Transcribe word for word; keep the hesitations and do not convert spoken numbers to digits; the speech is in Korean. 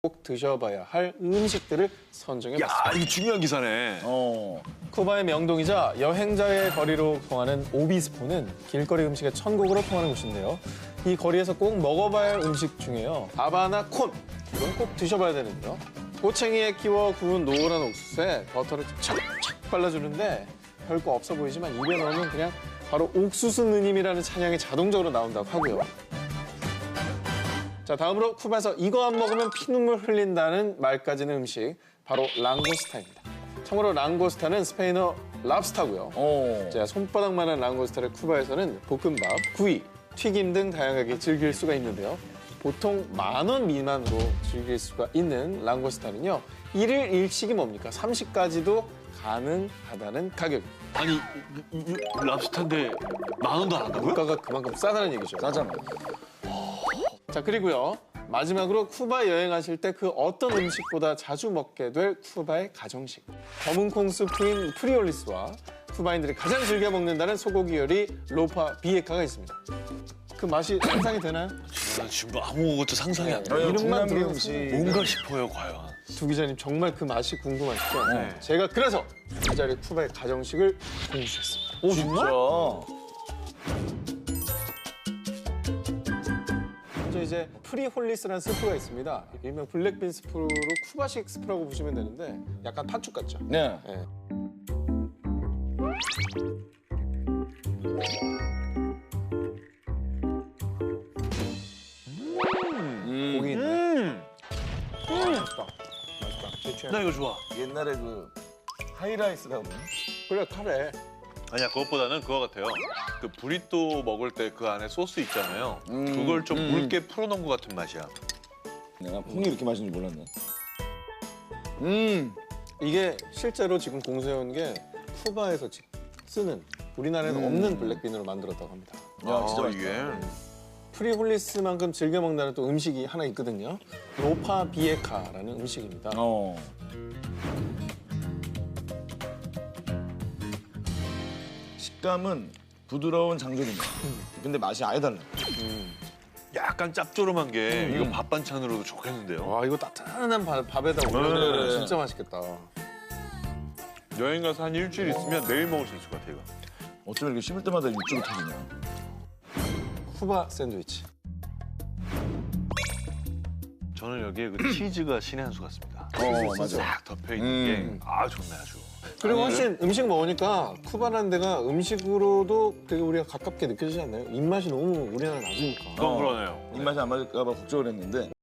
꼭 드셔봐야 할 음식들을 선정해봤습니다. 야, 이거 중요한 기사네. 어. 쿠바의 명동이자 여행자의 거리로 통하는 오비스포는 길거리 음식의 천국으로 통하는 곳인데요. 이 거리에서 꼭 먹어봐야 할 음식 중에요. 아바나 콘, 이건 꼭 드셔봐야 되는데요. 꼬챙이에 끼워 구운 노란 옥수수에 버터를 착착 발라주는데 별거 없어 보이지만 입에 넣으면 그냥 바로 옥수수 느님이라는 찬양이 자동적으로 나온다고 하고요. 자, 다음으로 쿠바에서 이거 안 먹으면 피눈물 흘린다는 말까지는 음식, 바로 랑고스타입니다. 참고로 랑고스타는 스페인어 랍스타고요. 어. 자, 손바닥만한 랑고스타를 쿠바에서는 볶음밥, 구이, 튀김 등 다양하게 즐길 수가 있는데요. 보통 만 원 미만으로 즐길 수가 있는 랑고스타는요. 일일 일식이 뭡니까? 삼식까지도 가능하다는 가격입니다. 아니, 이- 이- 이 랍스타인데 만 원도 안 한다고요? 물가가 그만큼 싸다는 얘기죠. 싸잖아. 자, 그리고요. 마지막으로 쿠바 여행하실 때 그 어떤 음식보다 자주 먹게 될 쿠바의 가정식. 검은 콩 스프인 프리올리스와 쿠바인들이 가장 즐겨 먹는다는 소고기 요리 로파 비에카가 있습니다. 그 맛이 상상이 되나요? 나 지금 아무것도 상상이 안 돼. 어, 이름만 중남미 들어도 음식. 뭔가 싶어요, 과연. 두 기자님 정말 그 맛이 궁금하시죠? 네. 제가 그래서 이 자리에 쿠바의 가정식을 공유했습니다. 오, 진짜? 먼저 이제 프리홀리스라는 스프가 있습니다. 일명 블랙빈 스프로 쿠바식 스프라고 보시면 되는데 약간 팥죽 같죠? 네. 네. 음. 고기 있네. 음, 아, 맛있다. 맛있다. 제 취향. 나 이거 좋아. 옛날에 그 하이라이스라고. 그래, 카레. 아니야, 그것보다는 그거 같아요. 그 브리또 먹을 때 그 안에 소스 있잖아요. 음, 그걸 좀 음. 묽게 풀어놓은 것 같은 맛이야. 내가 콩이 이렇게 맛있는 줄 몰랐네. 음. 이게 실제로 지금 공수해온 게 쿠바에서 지- 쓰는 우리나라에는 음. 없는 블랙빈으로 만들었다고 합니다. 야, 진짜 아, 맛있다. 이게. 프리홀리스만큼 즐겨 먹는 또 음식이 하나 있거든요. 로파 비에카라는 음식입니다. 어. 식감은 부드러운 장조림이야. 근데 맛이 아예 달라. 약간 짭조름한 게 음. 이거 밥 반찬으로도 좋겠는데요. 와, 이거 따뜻한 밥- 밥에다 올려놓으면 네. 진짜 맛있겠다. 여행 가서 한 일주일 있으면 매일 먹을 수 있을 것 같아요, 이거. 어쩌면 이렇게 씹을 때마다 육즙이 터지냐. 쿠바 샌드위치. 저는 여기에 그 치즈가 신의 한 수 같습니다. 어, 맞아. 싹 덮여 있는 음. 게 아, 좋네 아주. 그리고 아니, 훨씬 음식 먹으니까 쿠바라는 데가 음식으로도 되게 우리가 가깝게 느껴지지 않나요? 입맛이 너무 우리나라 낮으니까. 그건 그러네요. 입맛이 안 맞을까 봐 걱정을 했는데